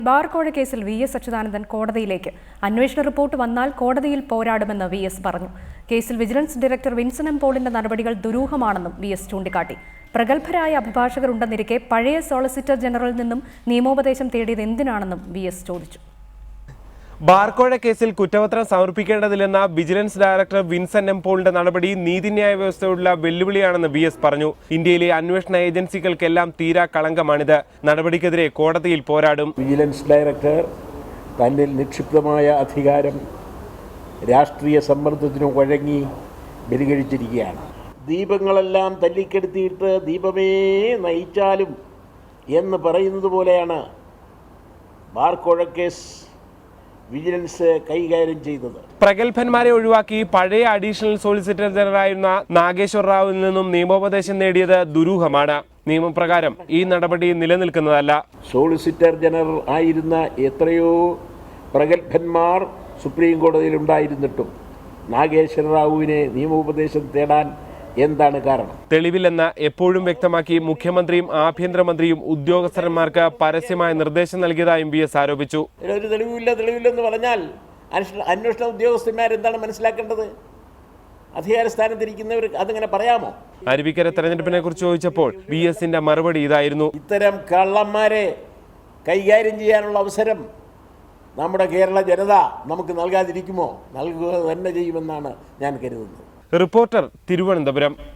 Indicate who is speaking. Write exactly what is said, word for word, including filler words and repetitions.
Speaker 1: ബാർക്കോഴ കേസിൽ V S Achuthanandan കോടതിയിലേക്ക് അന്വേഷണ റിപ്പോർട്ട് വന്നാൽ കോടതിയിൽ പോരാടുമെന്ന് വി എസ് പറഞ്ഞു. കേസിൽ വിജിലൻസ് ഡയറക്ടർ വിൻസൻ എം പോളിന്റെ നടപടികൾ ദുരൂഹമാണെന്നും വി എസ് ചൂണ്ടിക്കാട്ടി. പ്രഗത്ഭരായ അഭിഭാഷകർ ഉണ്ടെന്നിരിക്കെ പഴയ സോളിസിറ്റർ ജനറലിൽ നിന്നും നിയമോപദേശം തേടിയത് എന്തിനാണെന്നും വി എസ് ചോദിച്ചു.
Speaker 2: ബാർക്കോഴ കേസിൽ കുറ്റപത്രം സമർപ്പിക്കേണ്ടതില്ലെന്ന വിജിലൻസ് ഡയറക്ടർ വിൻസൻ എം പോളിന്റെ നടപടി നീതിന്യായ വ്യവസ്ഥയോടുള്ള വെല്ലുവിളിയാണെന്ന് വി എസ് പറഞ്ഞു. ഇന്ത്യയിലെ അന്വേഷണ ഏജൻസികൾക്കെല്ലാം തീരാ കളങ്കമാണിത്. നടപടിക്കെതിരെ കോടതിയിൽ പോരാടും.
Speaker 3: വിജിലൻസ് ഡയറക്ടർ തന്നിൽ നിക്ഷിപ്തമായ അധികാരം രാഷ്ട്രീയ സമ്മർദ്ദത്തിനു വഴങ്ങി ബലികഴിച്ചിരിക്കുകയാണ്. ദീപങ്ങളെല്ലാം തല്ലിക്കെടുത്തിയിട്ട് ദീപമേ നയിച്ചാലും എന്ന് പറയുന്നത് പോലെയാണ് ബാർക്കോഴ കേസ് വിജിലൻസ് കൈകാര്യം ചെയ്തത്.
Speaker 2: പ്രഗത്ഭന്മാരെ ഒഴിവാക്കി പഴയ അഡീഷണൽ സോളിസിറ്റർ ജനറലായിരുന്ന നാഗേശ്വർ റാവുവിൽ നിന്നും നിയമോപദേശം നേടിയത് ദുരൂഹമാണ്. നിയമപ്രകാരം ഈ നടപടി നിലനിൽക്കുന്നതല്ല.
Speaker 3: സോളിസിറ്റർ ജനറൽ ആയിരുന്ന എത്രയോ പ്രഗത്ഭന്മാർ സുപ്രീം കോടതിയിൽ ഉണ്ടായിരുന്നിട്ടും നാഗേശ്വർ റാവുവിനെ നിയമോപദേശം തേടാൻ എന്താണ് കാരണം?
Speaker 2: തെളിവില്ലെന്ന് എപ്പോഴും വ്യക്തമാക്കി മുഖ്യമന്ത്രിയും ആഭ്യന്തരമന്ത്രിയും ഉദ്യോഗസ്ഥന്മാർക്ക് പരസ്യമായ നിർദ്ദേശം നൽകിയതായും വി എസ് ആരോപിച്ചു.
Speaker 3: ഒരു തെളിവില്ല തെളിവില്ലെന്ന് പറഞ്ഞാൽ അന്വേഷണ ഉദ്യോഗസ്ഥന്മാർ എന്താണ് മനസ്സിലാക്കേണ്ടത്? അധികാര സ്ഥാനത്തിരിക്കുന്നവർ അതിങ്ങനെ പറയാമോ?
Speaker 2: അരുവിക്കര തെരഞ്ഞെടുപ്പിനെ കുറിച്ച് ചോദിച്ചപ്പോൾ വി എസിന്റെ മറുപടി ഇതായിരുന്നു.
Speaker 3: ഇത്തരം കള്ളന്മാരെ കൈകാര്യം ചെയ്യാനുള്ള അവസരം നമ്മുടെ കേരള ജനത നമുക്ക് നൽകാതിരിക്കുമോ? നൽകുക തന്നെ ചെയ്യുമെന്നാണ് ഞാൻ കരുതുന്നത്.
Speaker 2: റിപ്പോർട്ടർ, തിരുവനന്തപുരം.